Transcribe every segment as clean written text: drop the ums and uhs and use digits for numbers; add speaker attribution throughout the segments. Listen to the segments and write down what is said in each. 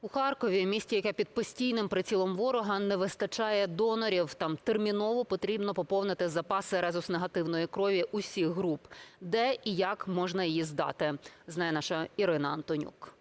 Speaker 1: У Харкові, місті, яке під постійним прицілом ворога, не вистачає донорів. Там терміново потрібно поповнити запаси резус-негативної крові усіх груп. Де і як можна її здати, знає наша Ірина Антонюк.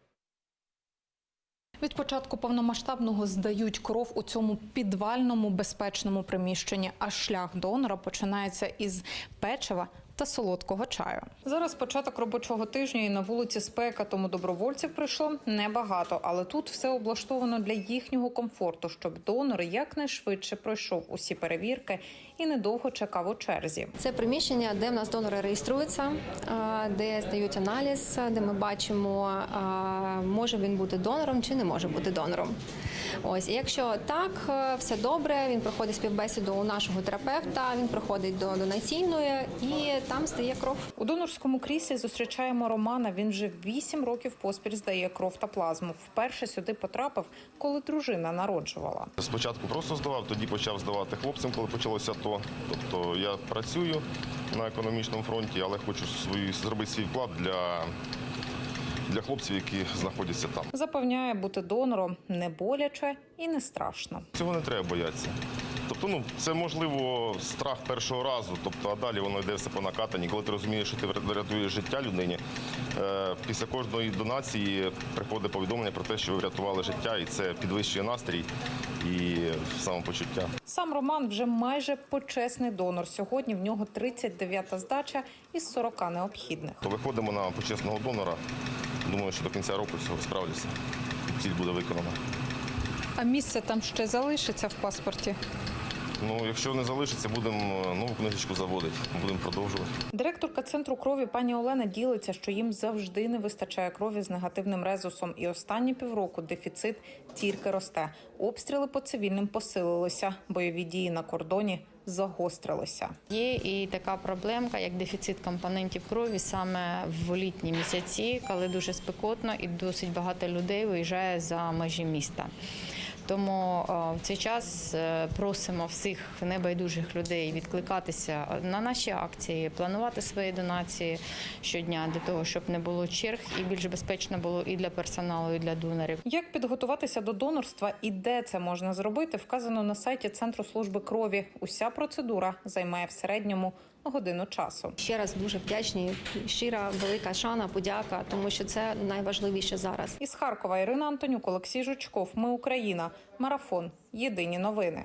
Speaker 2: Від початку повномасштабного здають кров у цьому підвальному безпечному приміщенні, а шлях донора починається із печива та солодкого чаю. Зараз початок робочого тижня і на вулиці спека, тому добровольців прийшло небагато. Але тут все облаштовано для їхнього комфорту, щоб донор якнайшвидше пройшов усі перевірки і недовго чекав у черзі.
Speaker 3: Це приміщення, де в нас донори реєструються, де здають аналіз, де ми бачимо, може він бути донором чи не може бути донором. Ось, і якщо так, все добре, він проходить співбесіду у нашого терапевта, він проходить до донаційної і там здає кров.
Speaker 2: У донорському кріслі зустрічаємо Романа. Він вже 8 років поспіль здає кров та плазму. Вперше сюди потрапив, коли дружина народжувала.
Speaker 4: Спочатку просто здавав, тоді почав здавати хлопцям, коли почалося АТО. Тобто я працюю на економічному фронті, але хочу зробити свій вклад для хлопців, які знаходяться там.
Speaker 2: Запевняє, бути донором не боляче і не страшно.
Speaker 4: Цього не треба боятися. Тобто, це, можливо, страх першого разу, тобто, а далі воно йде все по накатанні. Коли ти розумієш, що ти врятуєш життя людині, після кожної донації приходить повідомлення про те, що ви врятували життя, і це підвищує настрій і самопочуття.
Speaker 2: Сам Роман вже майже почесний донор. Сьогодні в нього 39-та здача із 40 необхідних.
Speaker 4: То виходимо на почесного донора. Думаю, що до кінця року цього справлюся. Ціль буде виконана.
Speaker 2: А місце там ще залишиться в паспорті?
Speaker 4: Ну, якщо не залишиться, будемо нову книжечку заводити, будемо продовжувати.
Speaker 2: Директорка центру крові пані Олена ділиться, що їм завжди не вистачає крові з негативним резусом. І останні півроку дефіцит тільки росте. Обстріли по цивільним посилилися, бойові дії на кордоні загострилися.
Speaker 5: Є і така проблемка, як дефіцит компонентів крові саме в літні місяці, коли дуже спекотно і досить багато людей виїжджає за межі міста. Тому в цей час просимо всіх небайдужих людей відкликатися на наші акції, планувати свої донації щодня для того, щоб не було черг і більш безпечно було і для персоналу, і для донорів.
Speaker 2: Як підготуватися до донорства і де це можна зробити, вказано на сайті Центру служби крові. Уся процедура займає в середньому годину часу.
Speaker 3: Ще раз дуже вдячні, щира, велика шана, подяка, тому що це найважливіше зараз.
Speaker 2: Із Харкова Ірина Антонюк, Олексій Жучков. Ми Україна. Марафон. Єдині новини.